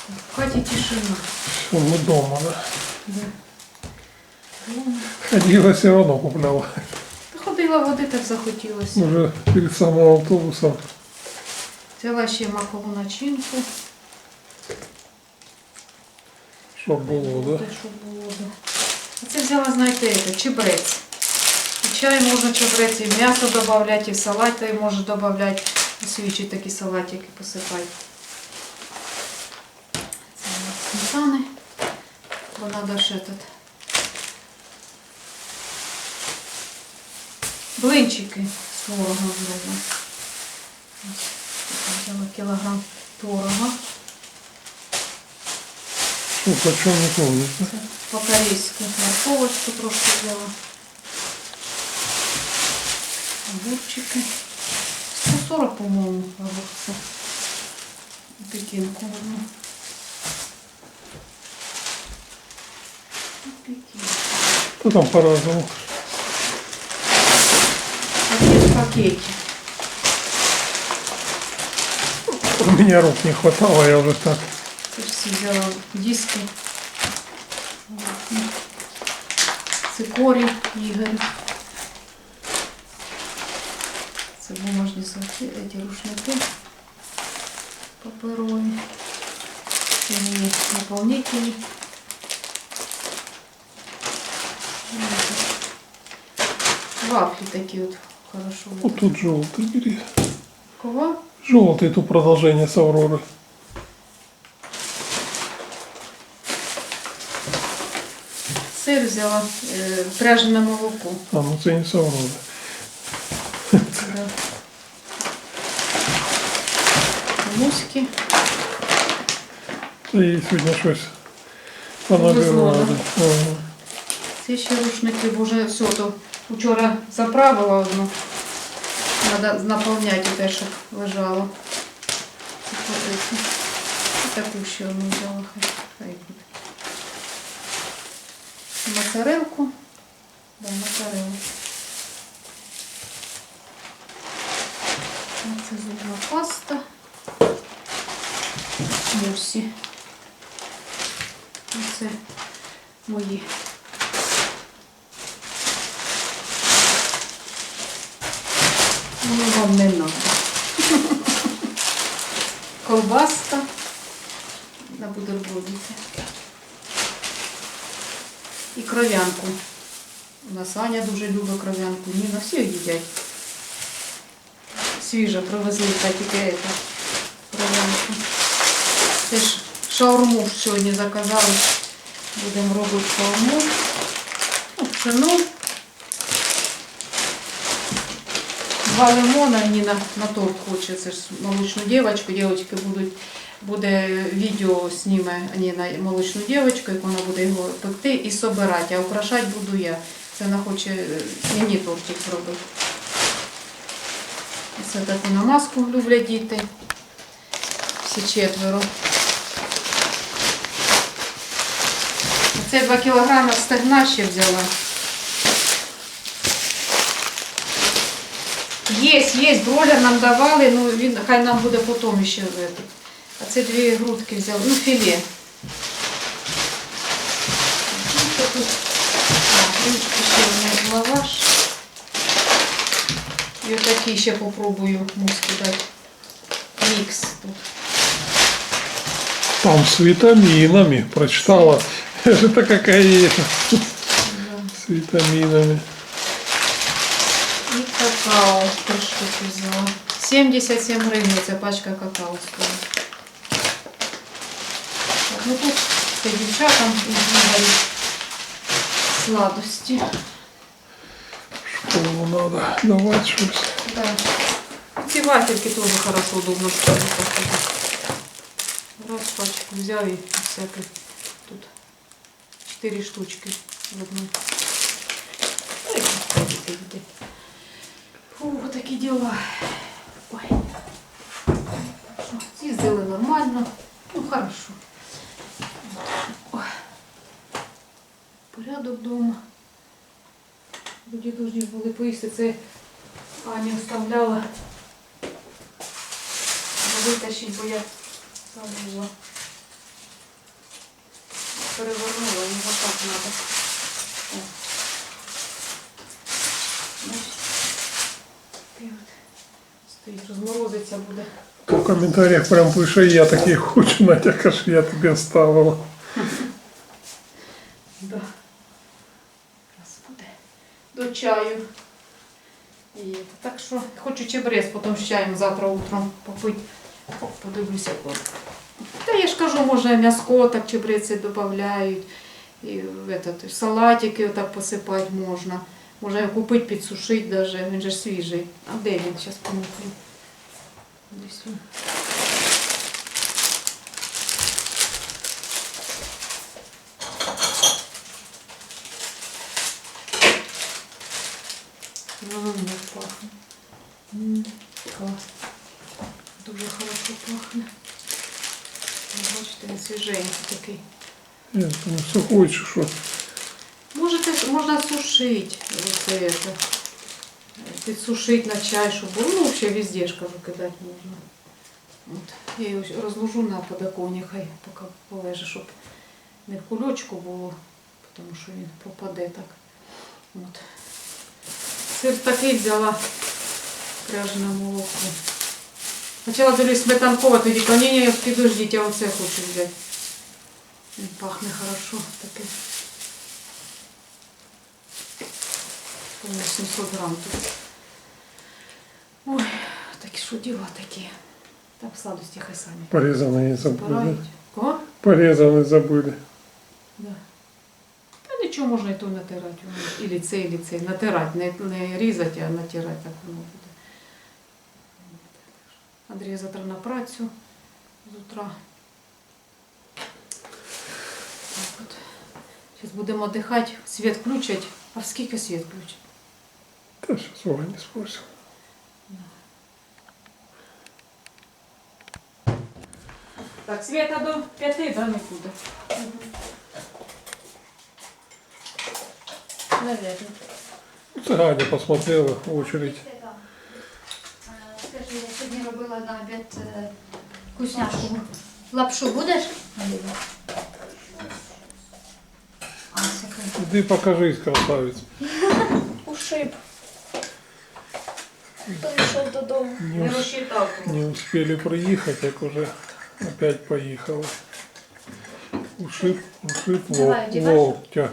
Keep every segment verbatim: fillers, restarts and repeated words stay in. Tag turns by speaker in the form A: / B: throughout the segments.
A: В хаті тишина.
B: Все, мы дома, да?
A: Да. Дома.
B: Ходила, все равно купляла.
A: Ходила, води так захотілося.
B: Уже перед самым автобусом.
A: Взяла ще макову начинку.
B: Чтоб было, да?
A: Щоб було, да. А це взяла, знаєте, це, чебрець. І чай можна чебрець, і м'ясо додавати, і в салати можна додавати. Свічі такі салатики посипати. Це сметани. Бо треба ще тут. Блинчики з творогом зроблю. Взяла кілограм творога.
B: Что, почем не помню, да?
A: По-корейски морковочку трошки взяла. Огурчики. сто сорок, по-моему, огурцы. Пекинку одну. Пекинку.
B: Ну там по-разному.
A: Пакет в пакете.
B: У меня рук не хватало, я уже так.
A: Все взяла диски. Цикорий Игорь. Це бумажні салфетки, эти рушники паперові. Це мені наповнителі. Вафли такие вот хорошо.
B: Вот тут желтый бери.
A: Кого?
B: Желтый, тут продолжение с Авроры.
A: Сир взяла, е, пряжене молоко.
B: А, ну це не с Авроры.
A: Да. Муськи.
B: Та їй сьогодні щось понабирали. Ага.
A: Це ще рушники, бо вже все, то вчора заправила одну. Треба наповняти те, щоб лежало. І таку ще одну взяла, хай, хай буде. Моцарелку. Да, моцарелку. Це зубна паста. Мусі. Це мої. Ну, вам не надо. Колбаска на бутербродики. І кров'янку. У нас Аня дуже любить кров'янку. Ніна всі їдять. Свіжа привезли, та тільки это, кров'янку. Теж шаурму сьогодні заказали. Будемо робити шаурму. Ну, пшено. Два лимона, Ніна на торт хоче, це ж молочну дівчинку, дівчатки будуть, буде відео зніме Ніна молочну дівчинку, як вона буде його пекти і собирати, а украшати буду я. Це вона хоче мені тортик зробити. Це таку намазку люблять діти, всі четверо. Це два кілограми стегна ще взяла. Є, є, бройлер нам давали, ну він хай нам буде потім ще ввести. А це дві грудки взяли, ну філе. Тут ще у мене лаваш. І отакий ще попробую муски дати. Мікс тут.
B: Там с витаминами, прочитала. Это какая
A: Да.
B: с витаминами.
A: І какао три штуки взяла. сімдесят сім гривень ця пачка какао стоїть. Так, ну тут це дівчатам і сладості.
B: Школу надо давать что-то.
A: Да. Ці вафельки теж хорошо, удобно ставити. Раз пачку взяв і всяке. Тут чотири штучки в одну. Фу, такі діла. Ой. З'їздили нормально. Ну, хорошо. Ой. Порядок вдома. Тоді повинні були поїсти. Це Аня вставляла. Витащить, бо я забула. перевернула, його так треба. О. Бачите? І от стоїть, розморозиться буде.
B: В комментариях прям пише, я такий хочу, Надя, каже, я тобі оставила.
A: Да. Зараз буде до чаю. І, так що хочу чебрец потім з чаєм завтра утром попити. О, подивлюся. От. Та я ж кажу, може м'яско так чебреці додають. І в этот, в салатики отак посипати можна. Можна купити, підсушити даже. Він же ж свіжий. А де він? Зараз помітлю. Десь він. Ммм, як пахне. Ммм, клас. Дуже хорошо пахне. Бачите, він свіженький такий.
B: Ні, там сухой чи що.
A: Можете, можна сушити. Оце, це, підсушити на чай, щоб було. Ну, взагалі везде ж кажу, кидати можна. От. Я його розложу на подоконник, хай поки полежить, щоб не в кульочку було, тому що він пропаде так. От. Сир такий взяла пряжене молоко. Спочатку дивлюсь сметанкове, тоді кажу, ні, ні, підождіть, я оце хочу взяти. Він пахне хорошо таке. сімсот грам тут. Ой, такі що діла такі. Так сладості хай самі.
B: Порізаний забули.
A: Збирають. Кого?
B: Порізаний забули.
A: Да. Та нічого можна і то натирати. Ілі це, ілі це. Натирати, не, не різати, а натирати, так воно буде. Андрій завтра на працю з утра. Так от. Зараз будемо дихати, світ включать. А в скільки світ включать?
B: Та зараз Оля не спросила.
A: Так, світа до п'яти, да, не буде? Наверно.
B: Це Ганя посмотрела в очередь.
C: Скажи, я сьогодні робила на обід е, вкусняшку. Лапшу будеш? А, секунду.
B: Іди покажись, красавець.
C: Ушиб. Прийшов додому.
B: Не,
A: Не
B: ус-
A: розчитав.
B: не успели приїхати, як уже опять поїхали. Ушиб, ушиб
C: Давай,
B: лок,
C: одівай.
B: локтя.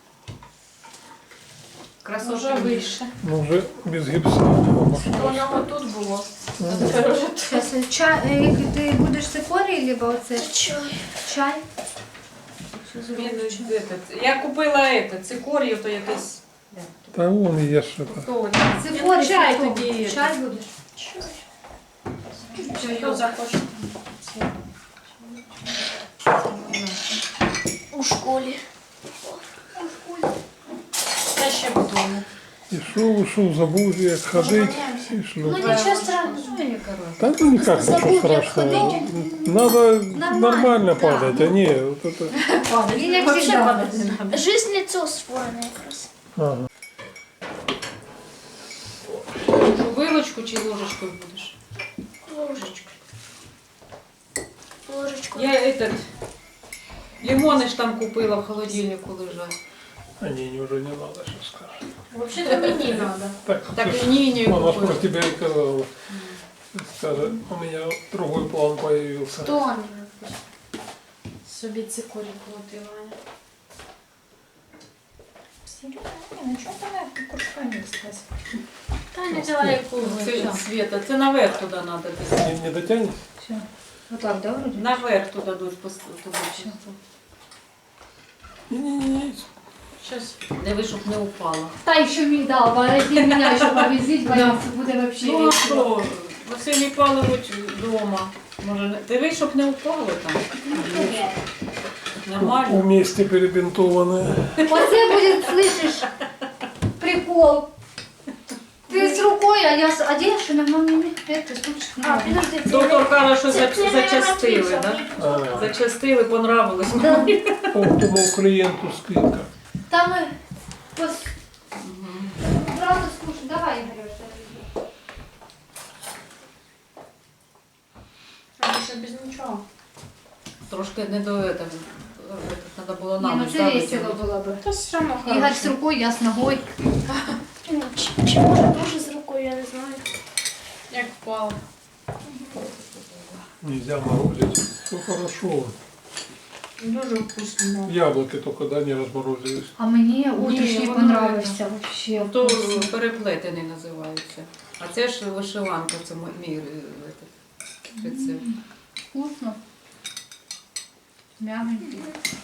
A: Красота вийшла.
B: Ну вже без гіпса обошлось.
A: Воно тут було.
C: Зараз чай, е, ти будеш цикорій, либо оце чай. Чай.
A: Я купила это, цикорію, то якийсь.
B: Та вон є що то.
C: Цикорій,
A: Чай
C: хто?
A: тоді.
C: Чай будеш?
A: Чайо захочеш.
C: У школі.
A: Та ще вдома.
B: Ішов, ішов, забув, як ходити. І
C: Ну
B: шлюп.
C: нічого страшного.
A: Ну, яка разниця.
B: Та ну ніяк нічого
C: Забув, як
B: страшного.
C: ходити.
B: Надо
C: Нормально,
B: нормально
C: да.
B: падать, а не вот это.
C: Він як
A: Вообще
C: завжди.
A: падати не надо.
C: Жизнь лицо створене якраз.
B: Ага.
A: Вилочку чи ложечкою будеш?
C: Ложечку. Ложечку.
A: Я этот, лимони ж там купила в холодильнику лежать.
B: А не, не, уже не надо, сейчас скажешь.
A: Вообще-то мені надо.
B: Так,
A: Так
B: ты ж-
A: і ні, не
B: она ж про
A: купила.
B: тебя и сказала. Скажет, у меня другой план появился.
C: Хто мені?
A: Собі цикорі колотила.
C: Ну чого там я кружка не
A: Таня взяла яку Света, це наверх туди треба десь.
B: Не, не дотянешь?
C: Вот так, да, вроде?
A: Наверх туди дуть туди.
B: Не-не-не.
A: Зараз диви, щоб не упала.
C: Та ще мигдал, ты меня еще повезить, боится, буде вообще
A: Ну а
C: весело.
A: що, Василій Павлович вдома. Може, не- диви, щоб не упало там. Нормально.
B: Вместе перебинтованные.
C: Оце будет, слышишь, прикол. Ты с рукой, а я с... А где я что, на маме? Это, слушай. А, подожди.
A: Доктор каже, що за-
C: Це- це
A: зачастили,
C: я
A: да?
B: А,
A: Зачастили, понравилось.
C: Да.
B: Оптимал клиенту скидка.
C: Там мы... Пос... Сразу скушай. Давай, Игорь, А ще без нічого.
A: Трошки не до этого. треба було
C: Не,
A: нам
C: ну це весело було б.
D: Та все одно
C: Ігор з
D: хорошо.
C: рукою, я з ногою.
D: Ну, Чи, чи може дуже з рукою, я не знаю. Як впало.
B: Нельзя морозить. Все хорошо.
D: Дуже вкусно.
B: Яблоки только, да, не разморозились.
C: А мені утрішній
A: воно
C: понравився вообще.
A: То
C: вкусно.
A: переплетений називається. А це ж вишиванка, це мій е, этот, рецепт.
C: Вкусно. Мягенький.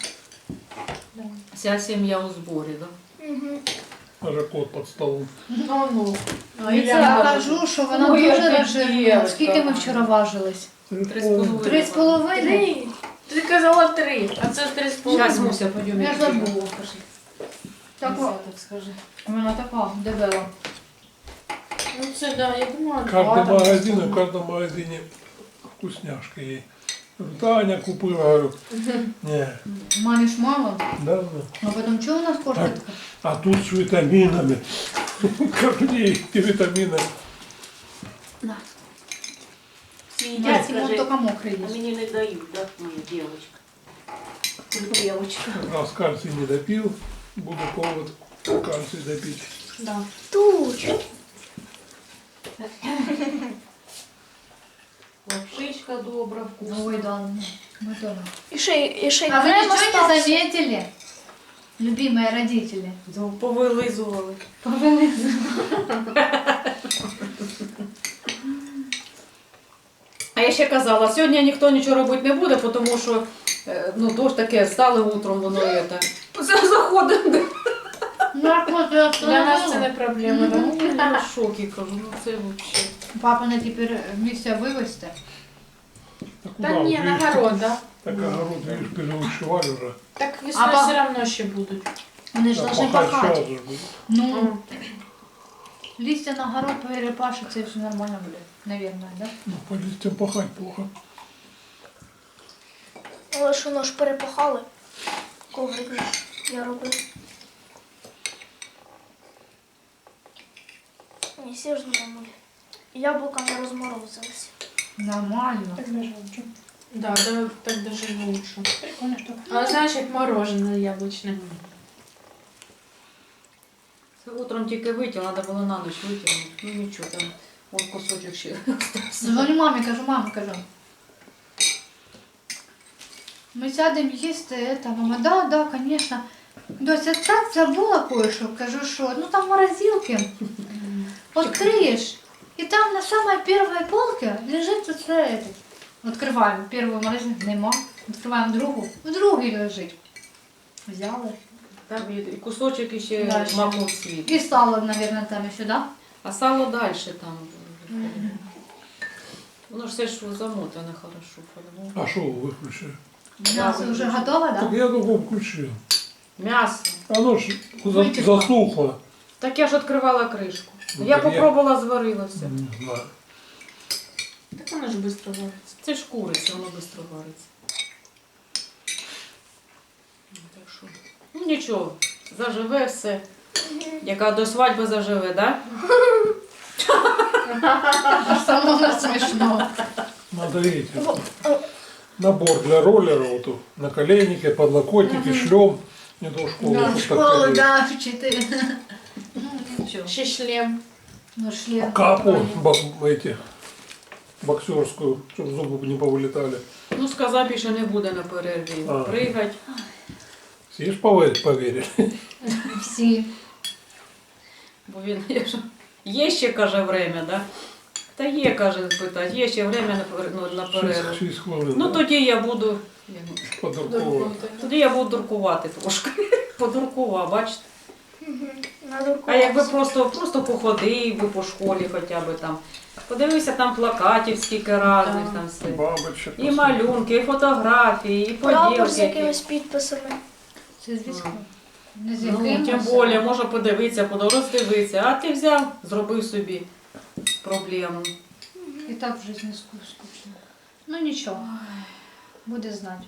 A: Вся сім'я у зборі, да?
D: Угу.
B: Даже кот под столом.
D: Ну, ну.
C: А я кажу, що вона
A: Ой,
C: дуже
A: яка
C: розжирна.
A: дівчинка.
C: Скільки ми вчора важились?
A: Три з половиною.
C: Три з половиною?
D: Три. Ти казала три, а це три з
A: Зараз,
D: половиною.
A: Муся, пойдемо.
C: Я забула.
A: Так,
C: Така,
A: так скажи.
C: вона така дебела.
D: Ну це да, я думала,
B: В
D: два
B: каждом
D: там.
B: магазине, в каждом магазине вкусняшка ей. Говорю, Таня купила, говорю, не,
C: Мамі ж мало,
B: да, да.
C: а потім чого у нас коштує таке?
B: А тут с витаминами. Корней и витаминами.
C: На.
E: Всі
C: Я
E: їдять,
C: Сімон
E: каже,
C: тільки мокрий
E: а
C: їсть.
E: мені не дають, да, моя дівчинка. Дівчинка.
B: Раз кальций не допил, буду повод кальций допить.
D: Да.
C: Туч.
A: Лапшичка добра, вкусна.
C: Ой, да, ну да.
D: І ще, й- і ще й
C: А вы
D: крем
C: ничего не
D: остався.
C: заметили, любимые родители?
A: Повилизували. А я ще казала, сьогодні ніхто нічого робити не буде, тому що е, ну, дощ таке, стали утром, воно є так. Заходимо.
C: Наркоз я
D: Для нас це не проблема, да?
A: Ну, я в шокі кажу, ну це взагалі.
C: Папа на теперь місця вивезти.
B: Так
D: Та
B: куда,
D: ні,
B: видишь,
D: на город, да?
B: Так огород, видишь, переушивали уже.
D: Так весною
C: А па-
D: все одно ще будуть.
C: Вони ж
B: А
C: должны
B: пахать
C: пахати.
B: сейчас же будет.
C: Ну, листья на город перепашется и все нормально будет, наверное, да?
B: Ну, по листьям пахать плохо.
F: Але ж воно ж перепахали. Коврик же я робив. Ні, всі ж нормально. Яблука не розморозилися.
C: Нормально.
D: Да, да, так даже лучше. Прикольно, что. А знаешь, як мороженое яблучне.
A: Це утром тільки витягла, треба було на ніч витягнути. Ну нічого, там вон кусочок ще.
C: Дзвоню мамі, кажу, мама, кажу. Ми сядемо їсти, это, мама, да, да, конечно. Дося, так забула кое-що. Кажу, що, ну там в морозилке. Открыешь, и там на самой первой полке лежит вот это. Открываем первую морозилку, нема. Открываем другу, в другій лежить. Взяли.
A: Там і і кусочок іще
C: Да, ще.
A: маков світ.
C: И сало, наверное, там еще, да?
A: А сало далі там. Воно ж все ж замотане хорошо. по-любому.
B: А что вы выключили?
C: Мясо уже готово,
B: Так
C: да?
B: я только включил.
A: М'ясо.
B: Оно ж за-
A: Вытекло.
B: засохло.
A: Так я ж відкривала кришку.
B: Ну,
A: Я
B: так я-
A: попробувала, зварилося.
B: Не знаю.
D: Так воно ж швидко вариться.
A: Це ж куриця, воно швидко вариться. Ну, Так що, ну нічого, заживе все. Яка до свадьби заживе, так?
C: Самому смешно.
B: Надо эти, набор для роллера, вот тут, наколенники, подлокотники, шлем. Не до школы.
C: Да,
B: вот
C: в
B: так
C: школу,
B: ходили.
C: да, в четыре. Ну, ничего.
D: Ще шлем.
C: Ну, шлем.
B: Капу бо- эти, боксерскую, чтобы зубы не повылетали.
A: Ну, сказав, більше не буде на перерві.
B: А.
A: Пригать.
B: Все ж поверить, поверили.
C: Всі.
A: Бо він є, ж- є ще, каже, время, да? Та є, каже, питать, є ще время на, пер- ну, на перерву.
B: Шесть, шесть хвилин.
A: Ну тоді я буду.
B: Подурково.
A: Тоді я буду дуркувати трошки. Подуркова, бачите?
F: Надо
A: А якби просто, просто походив би по школі хоча б там. Подивився там плакатів, скільки разних
D: Так.
A: там все.
B: Бабочек.
A: І малюнки, і фотографії, і
F: прапор з
A: поділки.
F: якимись підписами.
C: Це звісно. Не з
A: Ну,
C: яким.
A: тим
C: а
A: більше, можна подивитися, подороздивитися. А ти взяв, зробив собі проблему.
C: І так в житті скучно. Ну нічого. Буде знати.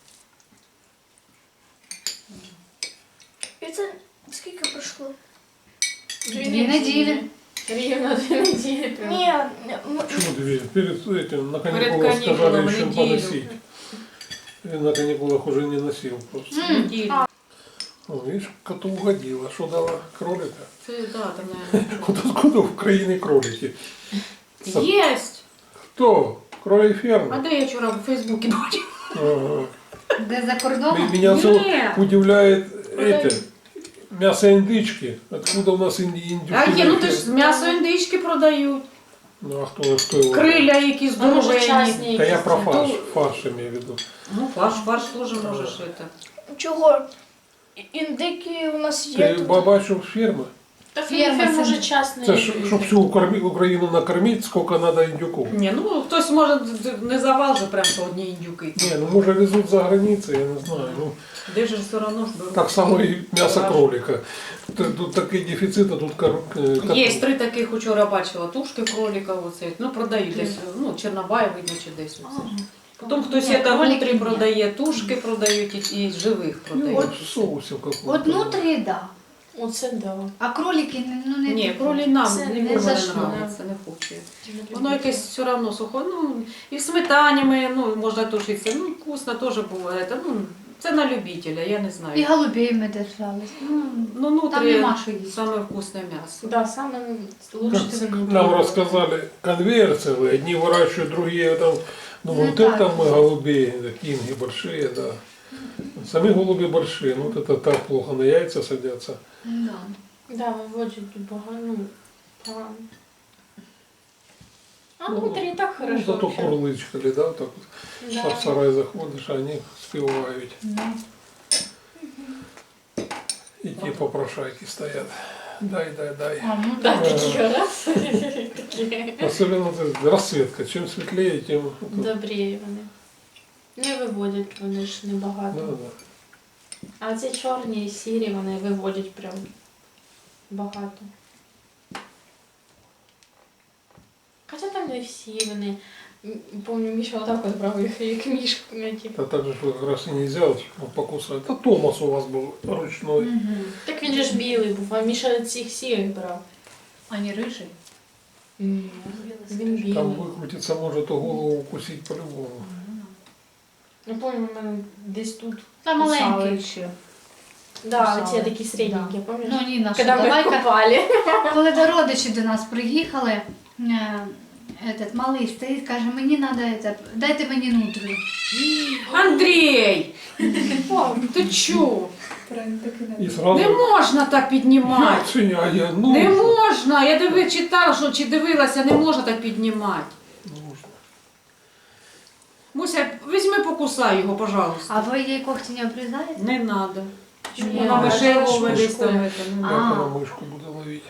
F: І це скільки пройшло?
C: Дві неділі.
D: Рівно дві неділі. прям.
F: Ні, м-
B: Почему две? Перед этим, на
A: Перед
B: каникулах сказали
A: каникулами
B: еще
A: неделю.
B: поносить. Він на каникулах уже не носил просто.
A: Неділю.
B: О, видишь, коту угодила. Что дала? Кролика?
A: Це, да, там, наверное.
B: Вот откуда в Украине кролики?
A: Єсть!
B: Кто? Кролик
A: А
B: ферма?
A: де я вчора в Фейсбуці бачила?
B: Ага.
C: Де за
B: М-
C: кордоном?
B: Меня все
A: Нет.
B: удивляет это, мясо индычки. Откуда у нас инди- индюки?
A: А є, ну ти
B: на
A: ж
B: ферме?
A: м'ясо індички продають.
B: Ну а кто, кто его?
A: Криля якісь
D: А може
A: здоровенні.
D: частні
B: Да я
D: якісь
B: про
D: це?
B: фарш,
A: То-
B: фарш имею в виду.
A: Ну, фарш, фарш теж можеш это.
F: Чого? І- Індики у нас є
B: Ты
F: тут.
B: бабачу ферма?
D: Та
C: Ферма
D: ферма
C: це-
D: може частний.
B: Це ж, щоб всю Укра- Україну накормити, скільки треба індюків.
A: Ні, ну хтось може не завал же прям по одній індюки.
B: Ні, ну може везуть за границю, я не знаю. Ну,
A: Де ж все одно ж беруть.
B: так само і м'ясо кролика. Тут, тут такий дефіцит, а тут кор... е, кот-
A: Є три таких вчора бачила, тушки кролика, оце, ну продають десь, ну Чорнобай видно чи десь. Оце. Потім хтось
C: Ні,
A: це
C: кролики
A: внутрі
C: ні.
A: продає, тушки продають і, і живих
B: Ну,
A: продають.
B: от соусів какого-то.
C: От внутрі, да.
D: Оце да.
C: А кролики, ну не
A: Ні,
C: такі.
A: кролі нам
D: Це
A: нікому
C: не
A: не
C: зашло.
A: нравиться, не хоче. Воно якесь все одно сухо, ну і в сметані ми, ну, можна тушитися, ну вкусно теж буває. Це, ну, це на любителя, я не
C: І
A: знаю.
C: голубей ми держали. Ну,
A: Ну,
C: там
A: внутрі
C: нема що їсти.
A: саме вкусне м'ясо.
D: Да, саме лучше це внутрі.
B: Нам рассказали, конвейер целый, одни выращивают, другие там, ну
C: Ну,
B: вот
C: так.
B: это мы голубей, да, кинги большие, да. Сами голуби большие, ну вот это так плохо на яйца садятся.
C: Да.
D: Да, виводять тут багато, ну, погано. А
B: Ну,
D: внутрі і так
B: Ну,
D: хорошо.
B: зато
D: вообще.
B: курлычкали, да, так вот.
D: Да.
B: В сарай заходишь, а они спевают.
C: Да.
B: И те попрошайки стоят. Дай, дай, дай.
C: А, ну
D: Да,
C: так.
D: такі раз. Такі.
B: Особенно это расцветка. Чем светлее, тем...
D: Добрі вони. Не виводять вони ж
B: Да,
D: небагато.
B: да.
D: А ці чорні і сірі вони виводять прям багато. Хоча там не всі вони. М, Помню, Міша отак от брав їх, як мішку. ну, типу.
B: А так же ж вот как раз и нельзя вот покусать. Это Томас у вас был ручной.
C: Мгм.
D: Так він же ж білий був, а Міша цих сірих брав.
C: А не рижий?
D: Ні, він білий.
B: Там выкрутиться может, то голову укусить по-любому.
D: Я пам'ятаю, у мене десь тут.
C: Та
D: Кусали.
C: маленький ще.
D: Да,
C: Кусали.
D: ці такі середненькі,
C: Да.
D: пам'ятаєш?
C: Ну, Ніна, що,
D: Коли ми
C: давай-ка,
D: копали.
C: коли до родичі до нас приїхали, е, этот малий стоїть, каже, мені треба, это, дайте мені нутрію.
A: Андрій! Ти чо?
B: И сразу...
A: Не можна так піднімати.
B: Сеня, а я, ну,
A: Не можна. Я диви, читала, що чи дивилася, не можна так піднімати.
B: нужно.
A: Муся, візьми, покусай його, пожалуйста.
C: А ви їй когті не обрізаєте?
A: Не треба.
C: Чому?
A: Вона
D: вона
A: вишивовує
D: ж
A: десь там.
D: мишкує.
A: це, не
C: А.
A: надо.
B: Как она мышку будет ловить?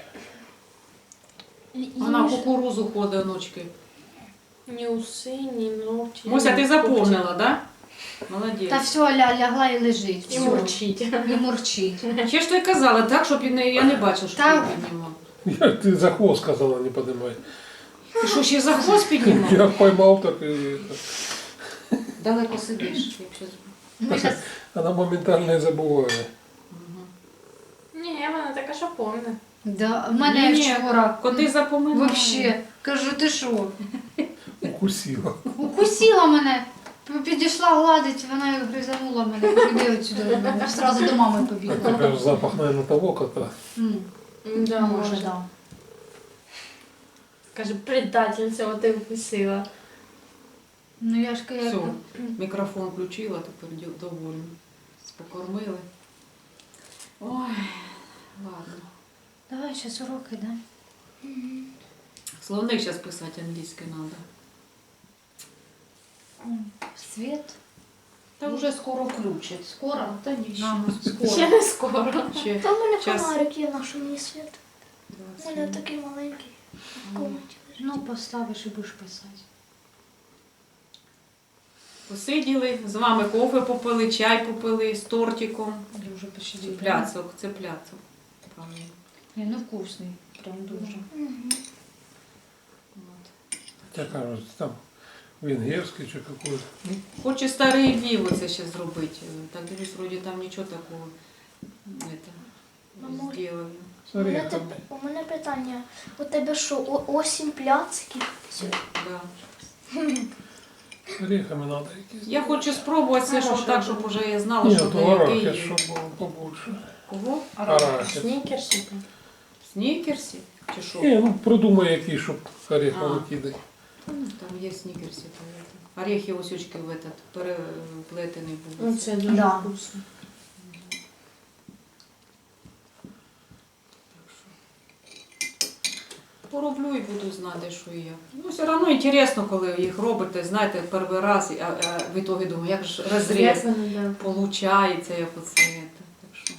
A: Вона в кукурузу ходить ночки.
D: Ні уси, ні ногті.
A: Муся, ти
D: ні
A: запомнила,
D: когті.
A: да? Молодець.
C: Та все, ля, лягла і лежить.
D: І
C: всё.
D: мурчить.
C: І мурчить.
A: Ще ж ти казала, так, щоб я не, я не бачила, що
C: Так.
A: ти піднімав.
B: Я, ты за хвост сказала не поднимай.
A: Ти що, ще за хвост піднімав?
B: Я поймал, так и...
A: Далеко сидиш. якщо-
C: Ми щас,
B: Она моментально и забывает.
D: Ні, вона така, що помне.
C: да, в мене
A: Ні,
C: вчора
A: Коти запоминають.
C: вообще, кажу, ти що?
B: Укусила.
C: Укусила мене, підійшла гладить, вона і гризанула мене, кажу, іди отсюди, одразу до мами побігла.
B: Это же запах, наверное, того кота.
C: М,
D: Да,
C: Може,
D: може.
C: да.
D: Каже, предательниця, от ти вкусила.
C: Ну я ж кажу,
A: Все, мікрофон включила, тепер дю- довольна. Покормили. Ой, ладно.
C: давай зараз уроки, да?
A: Словник зараз писати англійський треба.
C: М, Світ.
A: Та вже скоро включать.
C: Скоро?
A: Та ні, ще
C: Ага.
A: не скоро.
D: Ще не скоро.
A: Ще
F: Та в мене
A: Час.
F: фонарик є, на що мені світ. У
A: двадцять
F: мене
A: минут.
F: такий маленький в комнаті.
C: Ну, поставиш і будеш писати.
A: Посиділи, з вами кофе попили, чай попили з тортиком.
C: Я вже почти
A: Пляцок, це пляцок. Правильно.
C: Ні, ну вкусний, прям дуже.
F: Мгм.
A: От.
B: Хотя, кажется, там венгерский чи какой-то. Ну,
A: Хоче старий Львів оце ще зробити. Так дивлюсь, вроді там нічого такого это,
F: Мамо,
A: зробили.
B: с
F: У мене,
B: орехами.
F: теп- у мене питання. У тебе що, о- осінь пляцків?
A: Да.
B: З орехами надо якісь.
A: Я хочу спробувати все, щоб так, щоб уже я знала,
B: Ні,
A: що
B: то
A: де який
B: арахис,
A: є.
B: щоб було побольше.
A: Кого?
B: Арахис.
D: Снікерси.
A: Снікерсі? Чи що?
B: Ні, ну придумай який, щоб ореховий
A: А.
B: кидати.
A: Ну, там є снікерсі. то это. Орехи ось очки в этот переплетений
D: Ну,
A: був.
D: це дуже
C: Да.
D: вкусно.
A: Пороблю і буду знати, що і як. Ну, все одно інтересно, коли їх робите, знаєте, перший раз, а, а в ітогі думаю, як ж розріз
D: Да.
A: получається, як оце. це. Так що.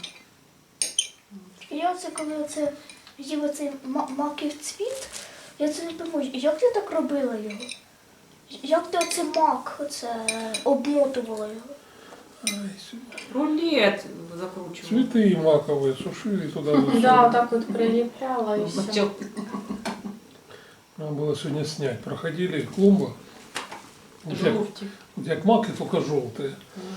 F: Я оце коли оце їв оцей ма- маків цвіт, я це не пойму, як ти так робила його? Як ти оце мак оце обмотувала його?
B: Ай, сюди.
A: Рулет закручував.
B: Цветы маковые сушили туда. вот
D: Да,
B: всё.
D: вот так вот прилепляла и все.
A: Бачок.
B: Надо было сегодня снять. Проходили клумба. Вот як,
A: Жовті.
B: вот як маки, только желтые.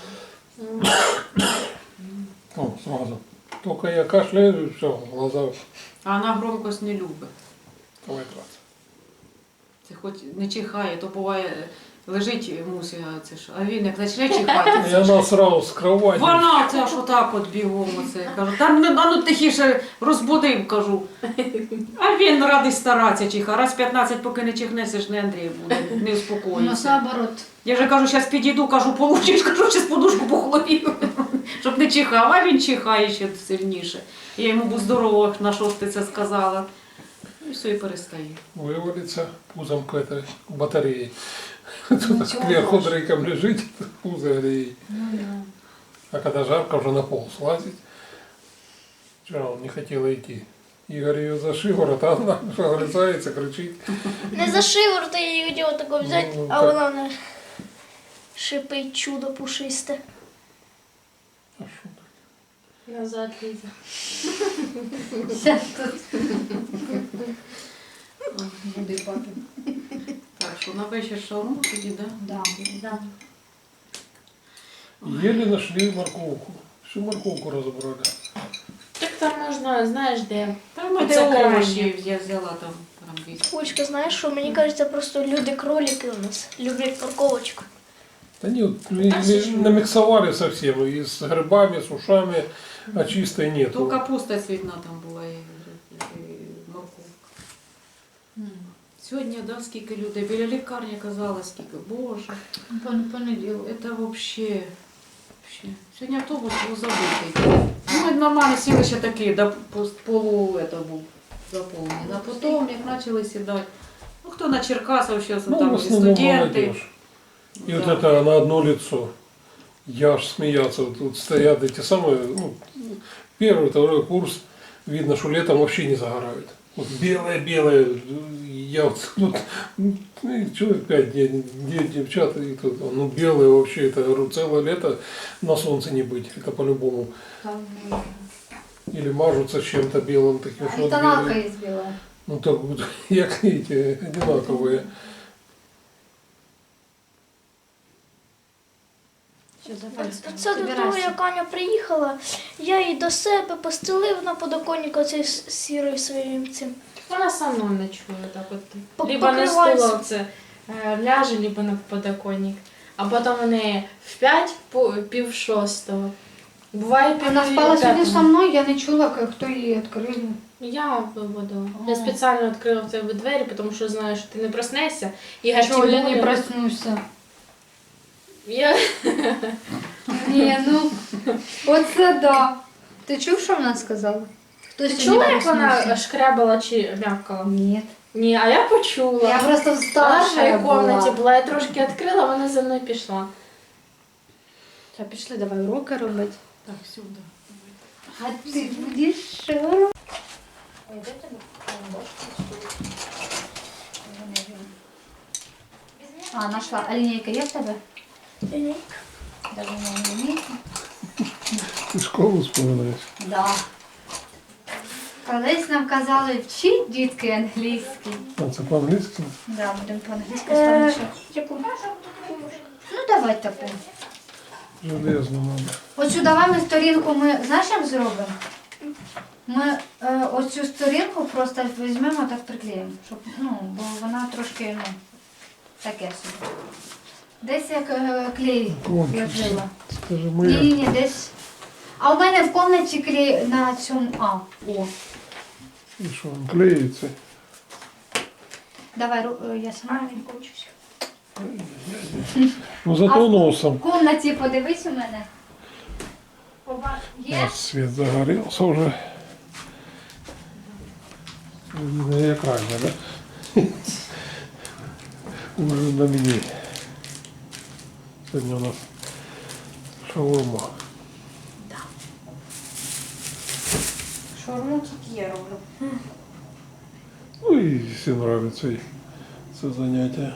B: О, сразу. Только я кашляю, все, глаза
A: А вона громкость не любить.
B: давай драться.
A: Це хоч не чихає, то буває лежить мусі, а це ж. А він як почне чихати.
B: И она сразу с кровати.
A: Вона це ж отак от бігом оце. Кажу, та ну, а ну тихіше розбудив, кажу. А він радий старатися чиха. Раз п'ятнадцять, поки не чихне, це ж не Андрій буде, не
C: У нас
A: успокоїться.
C: наоборот.
A: Я вже кажу, зараз підійду, кажу, получиш, кажу, зараз подушку по голові, щоб не чихав, а він чихає ще сильніше. Я йому був здорово, на що ж ти це сказала. І все, і перестає.
B: Вывалится пузом к этой батарее. Тут кверху дрейком лежит, пузо греет.
D: Ну да.
B: А когда жарко, уже на пол слазить. Вчера он не хотела идти. Игорь ее за шиворот, а она огрызается, кричит.
F: Не за шиворот її хотіла тако взяти,
B: Ну,
F: а
B: так.
F: вона не шипить чудо пушисте.
B: А шо так?
D: Назад, Лиза.
C: Сейчас тут. Буде папі.
A: Так, що на вечір шаурму тоді, да?
C: Да.
D: Да.
B: Еле нашли морковку. Всю морковку разобрали.
D: Так там можна, знаєш, де.
A: Та ми
D: Це
A: де
D: крайнє.
A: овочі я взяла там рамбіс.
F: Олечка, знаєш що, мені кажеться, просто люди-кролики у нас люблять морковочку.
B: Да нет, или намиксовали совсем, и с грибами, с ушами, а чистой
A: То
B: нету.
A: капуста цвітна там була і, і морковка. Сьогодні, да, скільки людей, біля лікарні казали, скільки, боже,
C: Понеділок.
A: це взагалі, вообще. Сьогодні автобус був забитий. Ну, ми нормально сіли ще такі, до полу это був заповнений. А потім, як почали сідати, ну, хто на Черкасов, зараз
B: Ну, в
A: там і
B: основном
A: студенти.
B: молодежь. И
A: Да.
B: вот это на одно лицо. Я аж смеяться. Вот тут стоят эти самые, ну, первый, второй курс. Видно, что летом вообще не загорают. Вот белое-белое. Я вот тут, ну, человек пять дней, девять девчат, и тут, ну, белое вообще, это, говорю, целое лето на солнце не быть. Это по-любому. Или мажутся чем-то белым таким, что вот
C: Тоналка
B: белый.
C: є біла.
B: Ну, так вот, як эти, одинаковые.
F: Це до того, як Аня приїхала, я її до себе постелив на подоконник оцей с- сірою своїм цим.
D: Вона со мною ночує так от.
F: По-
D: Либо на
F: покривайся.
D: стуловце е, ляже, либо на подоконник. А потім вони в п'ять, по- пів шостого. Буває пів
C: Вона спала сьогодні
D: п'ятого.
C: со мною, я не чула, хто її відкрив.
D: Я виводила.
C: О.
D: Я спеціально відкрила в тебе двері, тому що знаю, що ти не проснешся. І
C: Чого я не
D: Тимур-
C: проснуся?
D: Я...
C: Ні, ну, оце да. Ти чув, що вона сказала? Хтось
D: Ти
C: не
D: чула, як вона
C: проснувся?
D: шкрябала чи м'явкала?
C: Ні.
D: Ні, а я почула.
C: Я просто
D: Вона в
C: старша
D: моїй кімнаті
C: була.
D: була, я трошки відкрила, вона за мною пішла.
C: Та пішли, давай уроки робити.
A: Так, сюди.
C: А ти будеш що? А, нашла. А лінійка є в тебе?
F: Ні.
C: Даже не лінійка.
B: Ты школу вспоминаешь?
C: Да. Колись нам казали, вчіть дітки англійський.
B: А це по-английски?
C: Да, будемо по-англійськи
F: Е,
C: з вами.
F: яку?
C: Ну, давай таку.
B: Железно надо.
C: Оцю давай ми сторінку, ми знаєш, як зробимо? Ми е, оцю сторінку просто візьмемо так приклеїмо, щоб, ну, бо вона трошки, ну, таке собі. Десь як е, клей
B: Кончився.
C: ложила.
B: Скажи,
C: Ні,
B: моя.
C: ні, ні, десь. А у мене в кімнаті клей на цьому. А, о.
B: І що, він клеїться?
C: Давай, ру- е, я сама не кончусь.
B: Ну
C: А
B: зато
C: в-
B: носом.
C: В кімнаті подивись у мене. Поба-
B: У
C: Є?
B: нас свет загорелся уже. На экране, да? Уже на мне. Сегодня у нас шаурма.
A: Шаурму тільки я роблю.
B: Ну и все нравится и это занятие.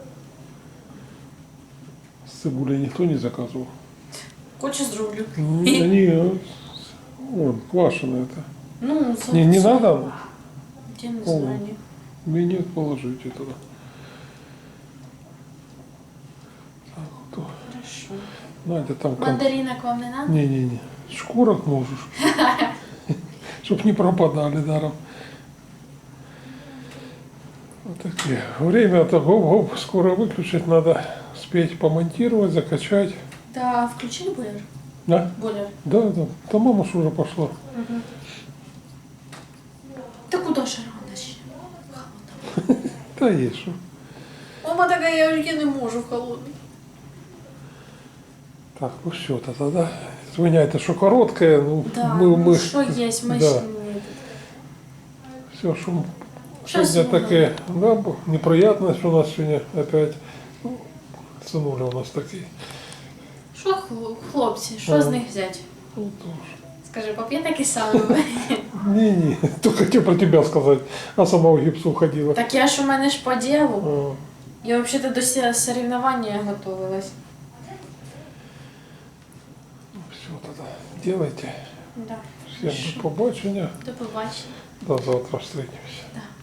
B: С цибулей никто не заказывал.
E: Хочешь зроблю?
B: Ну, да не, вон, квашеное это.
E: Ну, за-
B: Не, не
E: за-
B: надо?
E: Я не
B: О.
E: знаю.
B: Мне положите туда. Так, вот.
E: Хорошо.
B: Надя там кон-
D: Мандаринок вам не надо?
B: Не-не-не, шкурок можешь. Чтоб не пропадали даром. Вот такие. Время-то гоп-гоп, скоро выключить надо. Спеть, помонтировать, закачать.
E: Да, включили бойлер?
B: Да?
E: Бойлер.
B: Да, да. Там мама ж уже пошла.
E: Та куди ще рано ще?
B: Да есть что.
E: Мама така, я, я не можу в холодний.
B: Так, ну все, тогда. Извиняйте, что короткое. Ну,
E: Да,
B: мы,
E: ну
B: мы,
E: що є, ми
B: да.
E: ще не...
B: Все, что
E: Щас
B: сегодня
E: сынули.
B: такие, да, б- неприятность у нас сегодня опять. Ну, сынули у нас такие.
E: Що хл- хлопці, що
B: Ага.
E: з них взяти?
B: Ну, тоже.
E: Скажи, пап'є такі самі.
B: Не-не, только хотел про тебя сказать, а сама в гипсу ходила.
E: Так я ж у мене ж по ділу.
B: А,
E: Я взагалі до сі- соревновання готувалась.
B: все, тогда делайте.
E: Да.
B: Всем до побачення.
E: До побачення.
B: До завтра встретимся.
E: Да.